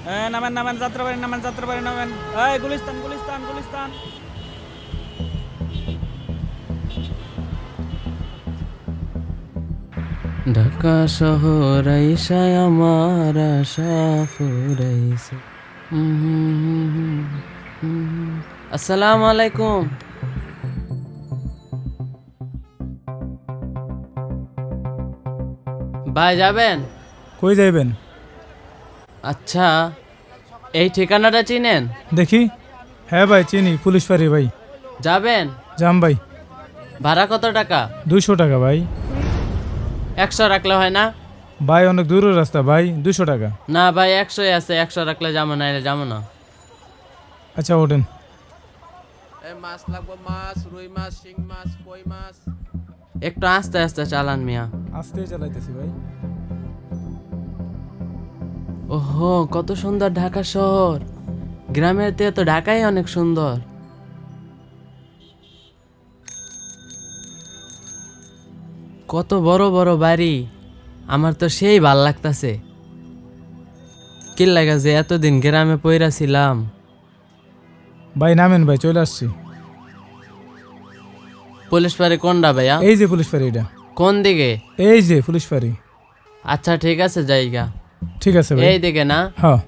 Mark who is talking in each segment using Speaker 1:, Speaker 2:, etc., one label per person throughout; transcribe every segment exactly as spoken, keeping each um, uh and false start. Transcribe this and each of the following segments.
Speaker 1: নামেন নামেন যাত্রাবাড়ি নামেন যাত্রাবাড়ি নামেন। এই গুলিস্তান গুলিস্তান গুলিস্তান।
Speaker 2: ঢাকা শহর আইসায় আমার আশা ফুরাইছে। আসসালামু আলাইকুম। ভাই যাবেন?
Speaker 3: কই যাইবেন?
Speaker 2: আচ্ছা, এই ঠিকানাটা চিনেন?
Speaker 3: দেখি। হ্যাঁ ভাই চিনি, পুলিশ ফাঁড়ি ভাই।
Speaker 2: যাবেন?
Speaker 3: যাম ভাই।
Speaker 2: ভাড়া কত টাকা?
Speaker 3: দুইশো টাকা ভাই।
Speaker 2: একশো রাখলে হয় না?
Speaker 3: ভাই অনেক দূরের রাস্তা ভাই, দুশো টাকা।
Speaker 2: না ভাই, একশোই আছে, একশো রাখলে যাবো না, এলে যাবো না।
Speaker 3: আচ্ছা ওঠেন।
Speaker 4: মাছ লাগবো, মাছ, রুই মাছ, শিং মাছ, কই মাছ।
Speaker 2: একটু আস্তে আস্তে চালান মিয়া।
Speaker 3: আস্তে চালাইতেছি ভাই।
Speaker 2: ওহো, কত সুন্দর ঢাকা শহর। গ্রামের থেকে তো ঢাকাই অনেক সুন্দর। কত বড় বড় বাড়ি, আমার তো সেই ভাল লাগতাছে। কি লাগা যে এতদিন গ্রামে পইরা ছিলাম।
Speaker 3: ভাই নামেন ভাই, চলে আসছি।
Speaker 2: পুলিশ ফাঁড়ি কোনটা ভাইয়া?
Speaker 3: এই যে পুলিশ ফাঁড়ি, এটা
Speaker 2: কোন দিকে?
Speaker 3: এই যে পুলিশ ফাঁড়ি।
Speaker 2: আচ্ছা ঠিক আছে, জায়গা
Speaker 3: ঠিক আছে ভাই।
Speaker 2: এই দিকে না?
Speaker 3: হ্যাঁ।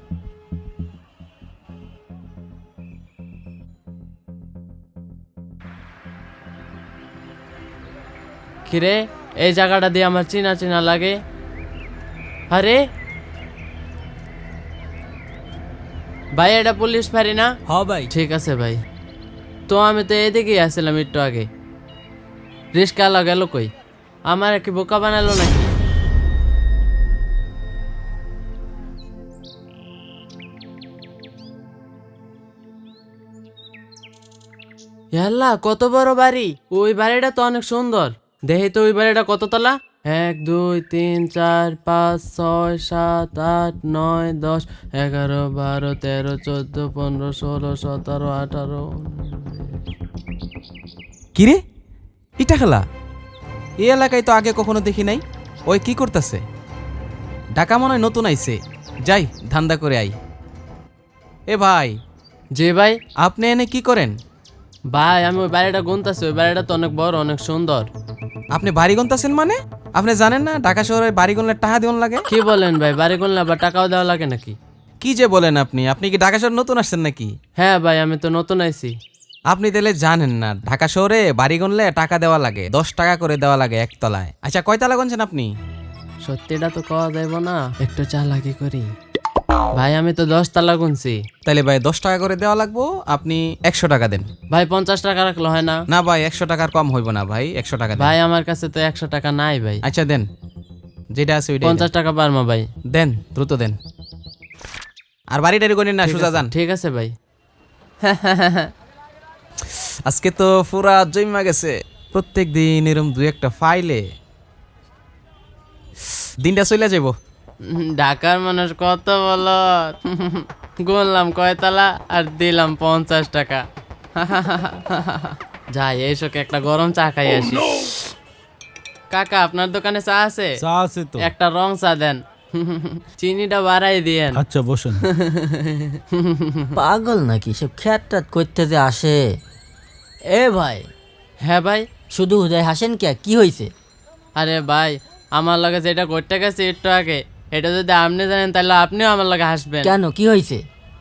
Speaker 2: কিরে, এই জায়গাটা দিয়ে আমার চিনা চিনা লাগে। আরে ভাই, এটা পুলিশ ফাঁড়ি না?
Speaker 1: হ্যাঁ ভাই।
Speaker 2: ঠিক আছে ভাই। তো আমি তো এদিকেই আসছিলাম একটু আগে। রিস্কা গেল কই? আমার কি বোকা বানালো নাকি? ইয়াল্লা, কত বড় বাড়ি! ওই বাড়িটা তো অনেক সুন্দর। দেখি তো ওই বাড়িটা কত তলা। এক দুই তিন চার পাঁচ ছয় সাত আট নয় দশ এগারো বারো তেরো চোদ্দ পনেরো ষোলো সতেরো আঠারো।
Speaker 4: কিরে, ইটা খেলা এই এলাকায় তো আগে কখনো দেখি নাই। ওই কি করতেছে? ঢাকা মনে হয় নতুন আইছে। যাই ধান্দা করে আই। এ ভাই,
Speaker 2: জি ভাই।
Speaker 4: আপনি এনে কি করেন?
Speaker 2: ভাই আমি ওই বাড়িটা গুনতাছি, ওই বাড়িটা তো অনেক বড়, অনেক সুন্দর।
Speaker 4: আপনি বাড়ি গুনতেছেন মানে? আপনি জানেন না ঢাকা শহরে বাড়ি গুনলে টাকা দিন লাগে?
Speaker 2: কি বলেন ভাই, বাড়ি গুনলে আবার টাকাও দেওয়া লাগে নাকি?
Speaker 4: কি যে বলেন আপনি? আপনি কি ঢাকা শহরে নতুন আসছেন নাকি?
Speaker 2: হ্যাঁ ভাই, আমি তো নতুন আইছি।
Speaker 4: আপনি তাহলে জানেন না ঢাকা শহরে বাড়ি গুনলে টাকা দেওয়া লাগে, দশ টাকা করে দেওয়া লাগে একতলায়। আচ্ছা কয়তলা গুনছেন আপনি?
Speaker 2: সত্যিটা তো কওয়া যাইব না, একটু চালাকি করি। ভাই আমি তো দশ তালা গুনছি।
Speaker 4: তাহলে ভাই দশ টাকা করে দেওয়া লাগবো, আপনি একশো টাকা দেন।
Speaker 2: ভাই পঞ্চাশ টাকা রাখলো হয় না?
Speaker 4: না ভাই, একশো টাকার কম হইব না ভাই, একশো টাকা দেন।
Speaker 2: ভাই আমার কাছে তো একশো টাকা নাই ভাই।
Speaker 4: আচ্ছা দেন, যেটা আছে ওইটা
Speaker 2: পঞ্চাশ টাকা পারমা ভাই।
Speaker 4: দেন, দ্রুত দেন। আর বাড়ি টাড়ি করেন না, সোজা যান।
Speaker 2: ঠিক আছে ভাই।
Speaker 4: আজকে তো পুরা জমা গেছে। প্রত্যেক দিন এরম দুই একটা ফাইলে দিনটা চলে যাব।
Speaker 2: ঢাকার মানুষ কত বলো। গুনলাম কয়তলা আর দিলাম পঞ্চাশ টাকা। যাই এইসব একটা গরম চা খাই আসি। কাকা আপনার দোকানে চা আছে?
Speaker 1: চা আছে তো।
Speaker 2: একটা রং চা দেন, চিনিটা বাড়াই দিয়েন।
Speaker 1: আচ্ছা বসেন।
Speaker 5: পাগল নাকি সব খ্যাট ট্যাট করতে যে আসে। এ ভাই,
Speaker 2: হ্যাঁ ভাই।
Speaker 5: শুধু উদয় হাসেন কে, কি হয়েছে?
Speaker 2: আরে ভাই, আমার লগে যেটা করতে গেছে একটু আগে, এটা যদি আপনি জানেন তাহলে আপনিও আমার লগে হাসবেন।
Speaker 5: কেন, কি হয়েছে?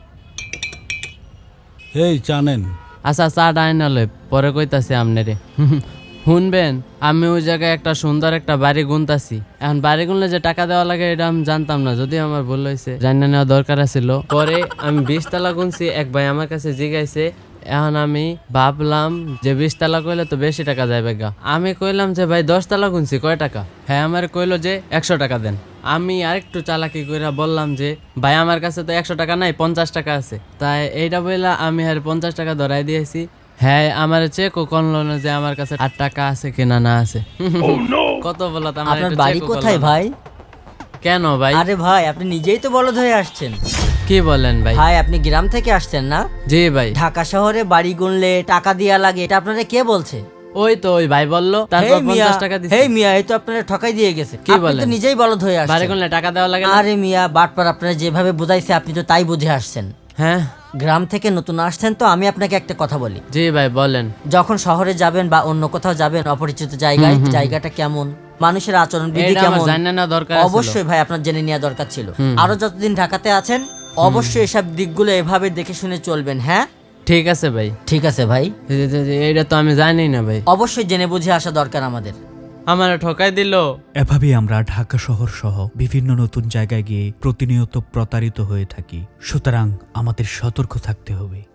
Speaker 1: এই জানেন।
Speaker 2: আচ্ছা চা ডাই নালে পরে কইতাছি আপনারে। শুনবেন, আমি ওই জায়গায় একটা সুন্দর একটা বাড়ি গুনতাছি। এখন বাড়ি গুনলে যে টাকা দেওয়া লাগে এটা আমি জানতাম না, যদি আমার ভুল হয়েছে, জানা নেওয়া দরকার ছিল। পরে আমি বিশ তালা গুনছি, এক ভাই আমার কাছে জিগাইছে। এখন আমি ভাবলাম যে বিশ তালা কইলে তো বেশি টাকা যাবে গা। আমি কইলাম যে ভাই দশ তালা গুনছি, কয় টাকা? হ্যাঁ আমার কইলো যে একশো টাকা দেন। আমি আরেকটু চালাকি করে বললাম যে ভাই আমার কাছে তো একশো টাকা নাই, পঞ্চাশ টাকা আছে। তাই এইটা বললা আমি আর পঞ্চাশ টাকা ধরাই দিয়েছি। হ্যাঁ আমার চেক ও করলো না যে আমার কাছে আট টাকা আছে কিনা না আছে। কত বলো তো, আমার
Speaker 5: আপনার
Speaker 2: একটু
Speaker 5: বাড়ি
Speaker 2: check ও
Speaker 5: কোথায়
Speaker 2: করলো না।
Speaker 5: ভাই?
Speaker 2: কেন ভাই?
Speaker 5: আরে ভাই, আপনি নিজেই তো বলদ হয়ে আসছেন।
Speaker 2: কি বলেন ভাই?
Speaker 5: ভাই আপনি গ্রাম থেকে আসছেন না?
Speaker 2: জি ভাই।
Speaker 5: ঢাকা শহরে বাড়ি গুনলে টাকা দেয়া লাগে, এটা আপনারা কে বলছে?
Speaker 2: ওই তো ওই ভাই বললো, তারপর
Speaker 5: হেই মিয়া,
Speaker 2: পঞ্চাশ টাকা দিছি।
Speaker 5: হেই মিয়া, এই তো আপনারা ঠকাই দিয়ে গেছে।
Speaker 2: কি
Speaker 5: আপনি
Speaker 2: বলেন?
Speaker 5: তো নিজেই বলদ হয়ে
Speaker 2: বাড়ি
Speaker 5: আসছেন।
Speaker 2: গুনলে টাকা দেওয়া লাগে না?
Speaker 5: আরে মিয়া, বাটপার আপনারা যেভাবে বুঝাইছে আপনি তো তাই বুঝে আসছেন।
Speaker 2: হ্যাঁ
Speaker 5: গ্রাম থেকে নতুন আসছেন তো আমি আপনাকে একটা কথা বলি।
Speaker 2: জি ভাই বলেন।
Speaker 5: যখন শহরে যাবেন বা অন্য কোথাও যাবেন অপরিচিত জায়গায়, জায়গাটা কেমন, মানুষের আচরণ বিধি
Speaker 2: এটা আমার
Speaker 5: কেমন,
Speaker 2: জানা না দরকার ছিল।
Speaker 5: অবশ্যই ভাই আপনার জেনে নেওয়া দরকার ছিল। আরো যতদিন ঢাকাতে আছেন অবশ্যই এসব দিকগুলো এভাবে দেখে শুনে চলবেন। হ্যাঁ
Speaker 2: ঠিক আছে ভাই।
Speaker 5: ঠিক আছে ভাই,
Speaker 2: এই যে- যে- এইটা তো আমি জানি না ভাই,
Speaker 5: অবশ্যই জেনে বুঝে আসা দরকার আমাদের।
Speaker 2: আমার ঠকাই দিল।
Speaker 6: এভাবেই আমরা ঢাকা শহর সহ বিভিন্ন নতুন জায়গায় গিয়ে প্রতিনিয়ত প্রতারিত হয়ে থাকি। সুতরাং আমাদের সতর্ক থাকতে হবে।